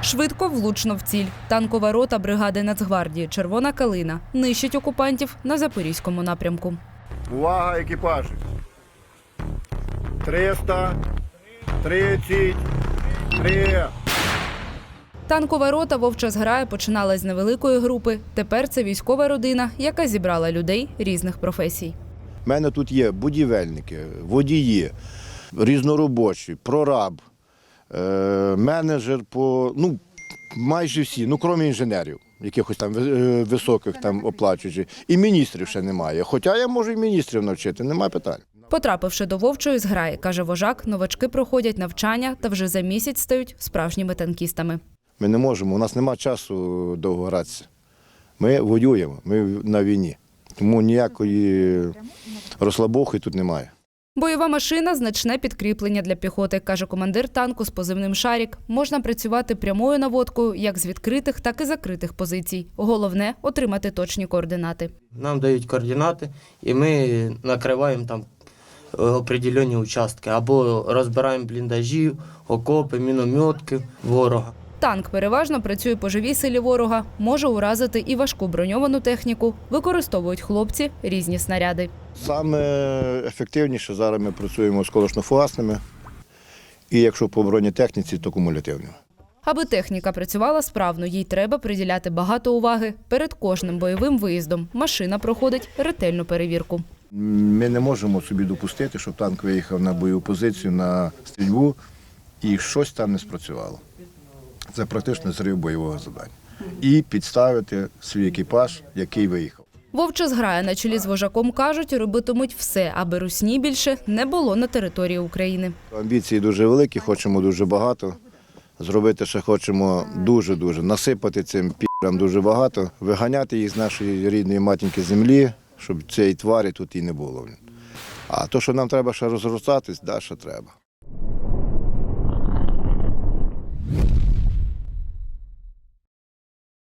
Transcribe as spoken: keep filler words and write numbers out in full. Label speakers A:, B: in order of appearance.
A: Швидко, влучно в ціль. Танкова рота бригади Нацгвардії «Червона калина» нищить окупантів на Запорізькому напрямку.
B: Увага, екіпажі! триста тридцять три.
A: Танкова рота «Вовча зграя» починалась з невеликої групи. Тепер це військова родина, яка зібрала людей різних професій.
B: У мене тут є будівельники, водії, різноробочі, прораб, е, менеджер по, ну, майже всі, ну, крім інженерів, якихось там е, високих там оплачуючих. І міністрів ще немає. Хоча я можу і міністрів навчити, немає питань.
A: Потрапивши до «Вовчої зграї», каже вожак, новачки проходять навчання та вже за місяць стають справжніми танкістами.
B: Ми не можемо, у нас немає часу довго гратися. Ми воюємо, ми на війні. Тому ніякої розслабухи тут немає.
A: Бойова машина – значне підкріплення для піхоти, каже командир танку з позивним «Шарік». Можна працювати прямою наводкою як з відкритих, так і закритих позицій. Головне – отримати точні координати.
C: Нам дають координати, і ми накриваємо там определені участки. Або розбираємо бліндажі, окопи, мінометки ворога.
A: Танк переважно працює по живій силі ворога, може уразити і важку броньовану техніку. Використовують хлопці різні снаряди.
B: Саме ефективніше зараз ми працюємо з колошно-фугасними, і якщо по бронетехніці, то кумулятивними.
A: Аби техніка працювала справно, їй треба приділяти багато уваги. Перед кожним бойовим виїздом машина проходить ретельну перевірку.
B: Ми не можемо собі допустити, щоб танк виїхав на бойову позицію, на стрільбу, і щось там не спрацювало. Це практично зрив бойового завдання. І підставити свій екіпаж, який виїхав.
A: «Вовча зграя» на чолі з вожаком кажуть, робитимуть все, аби русні більше не було на території України.
B: Амбіції дуже великі, хочемо дуже багато. Зробити ще хочемо дуже-дуже, насипати цим пі***ам дуже багато, виганяти їх з нашої рідної матінки землі, щоб цієї тварі тут і не було. А то, що нам треба ще розростатись, да, ще треба.